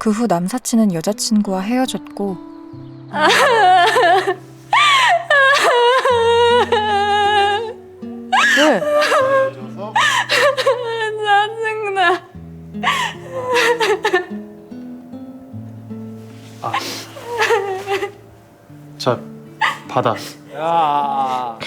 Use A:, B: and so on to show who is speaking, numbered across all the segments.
A: 그 후 남사친은 여자친구와 헤어졌고
B: 왜?
C: 짜증나.
D: 자, 받아.
E: 야.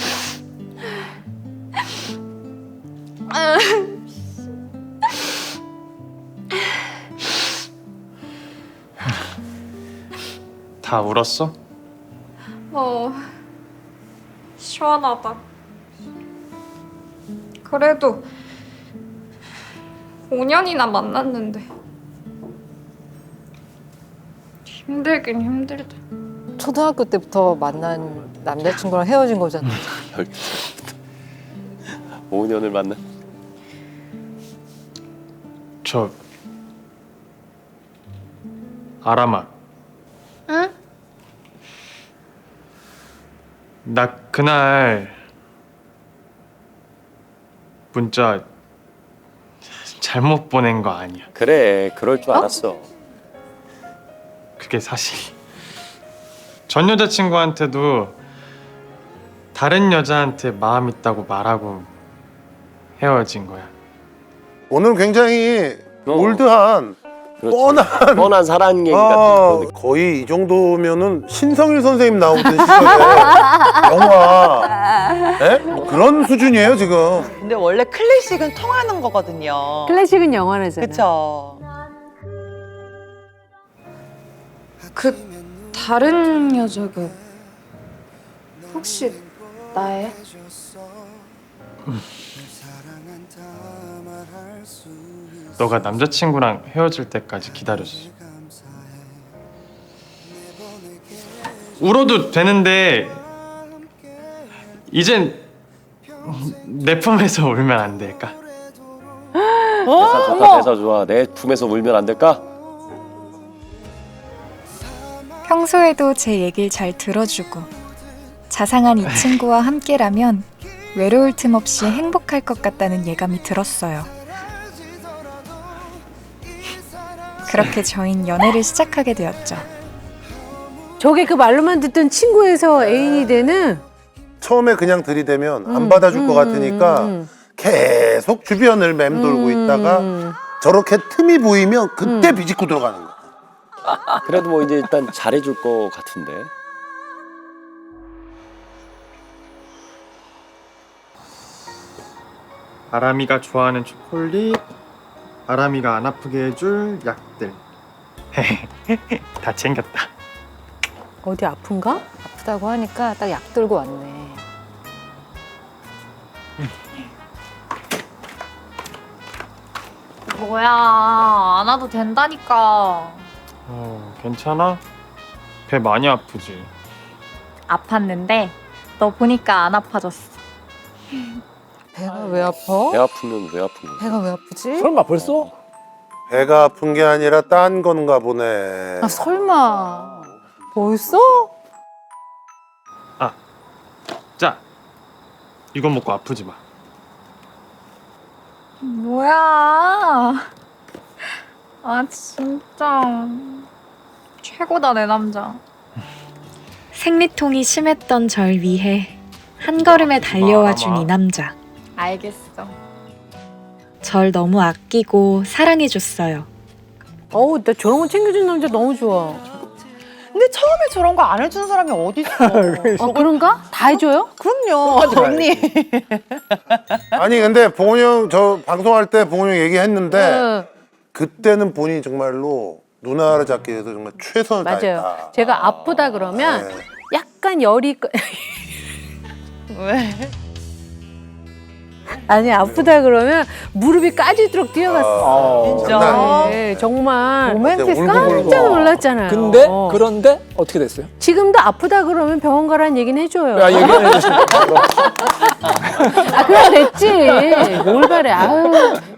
D: 다 울었어?
C: 시원하다. 그래도 5년이나 만났는데 힘들긴 힘들다.
B: 초등학교 때부터 만난 남자친구랑 헤어진 거잖아.
F: 12살부터 5년을 만난.
D: 저 아람아.
C: 응?
D: 나 그날 문자 잘못 보낸 거 아니야.
F: 그래, 그럴 줄 알았어.
D: 그게 사실 전 여자친구한테도 다른 여자한테 마음 있다고 말하고 헤어진 거야.
G: 오늘 굉장히 올드한
F: 그렇지.
G: 뻔한
F: 뻔한 사랑 얘기 같은 거.
G: 거의 이 정도면은 신성일 선생님 나오던 시절에 영화 그런 수준이에요 지금.
H: 근데 원래 클래식은 통하는 거거든요.
B: 클래식은 영원하잖아.
H: 그쵸?
C: 그 다른 여자가 혹시 나의?
D: 너가 남자친구랑 헤어질 때까지 기다려줬어. 울어도 되는데 이젠 내 품에서 울면 안 될까?
F: 대사 좋다, 대사 좋아. 내 품에서 울면 안 될까?
A: 평소에도 제 얘길 잘 들어주고 자상한 이 친구와 함께라면 외로울 틈 없이 행복할 것 같다는 예감이 들었어요. 그렇게 저흰 연애를 시작하게 되었죠.
B: 저게 그 말로만 듣던 친구에서 애인이 되는
G: 처음에 그냥 들이대면 안 받아줄 것 같으니까 계속 주변을 맴돌고 있다가 저렇게 틈이 보이면 그때 비집고 들어가는 거야.
F: 그래도 뭐 이제 일단 잘해줄 것 같은데.
D: 아람이가 좋아하는 초콜릿, 아람이가 안 아프게 해줄 약들. 다 챙겼다.
B: 어디 아픈가? 아프다고 하니까 딱 약 들고 왔네.
C: 뭐야, 안 와도 된다니까.
D: 괜찮아? 배 많이 아프지?
C: 아팠는데 너 보니까 안 아파졌어.
B: 배가 왜 아파?
F: 배 아프면 왜 아픈 거야?
B: 배가 왜 아프지?
E: 설마 벌써?
G: 배가 아픈 게 아니라 딴 건가 보네.
B: 아 설마 벌써?
D: 자, 이거 먹고 아프지 마.
C: 뭐야. 아, 진짜. 최고다, 내 남자.
A: 생리통이 심했던 절 위해 한 걸음에 달려와 준 이 남자.
C: 알겠어.
A: 절 너무 아끼고 사랑해줬어요.
B: 어우 나 저런 거 챙겨준 남자 너무 좋아.
H: 근데 처음에 저런 거 안 해주는 사람이 어딨어.
B: 그런가? 다 해줘요?
H: 그럼요, 언니.
G: 아니 근데 봉훈이 형 저 방송할 때 봉훈이 형 얘기했는데
B: 응.
G: 그때는 본인이 정말로 누나를 잡기 위해서 정말 최선을
B: 맞아요.
G: 다했다.
B: 제가 아프다 그러면
G: 네.
B: 약간 열이
H: 왜?
B: 아니 아프다 그러면 무릎이 까지도록 뛰어갔어.
H: 진짜.
G: 장난
B: 네, 정말
H: 로맨티스
B: 깜짝 놀랐잖아요.
E: 근데 그런데 어떻게 됐어요?
B: 지금도 아프다 그러면 병원 가라는 얘기는 해줘요.
E: 야 얘기해 주시면.
B: 아 그럼 됐지. 뭘 바래. 아유.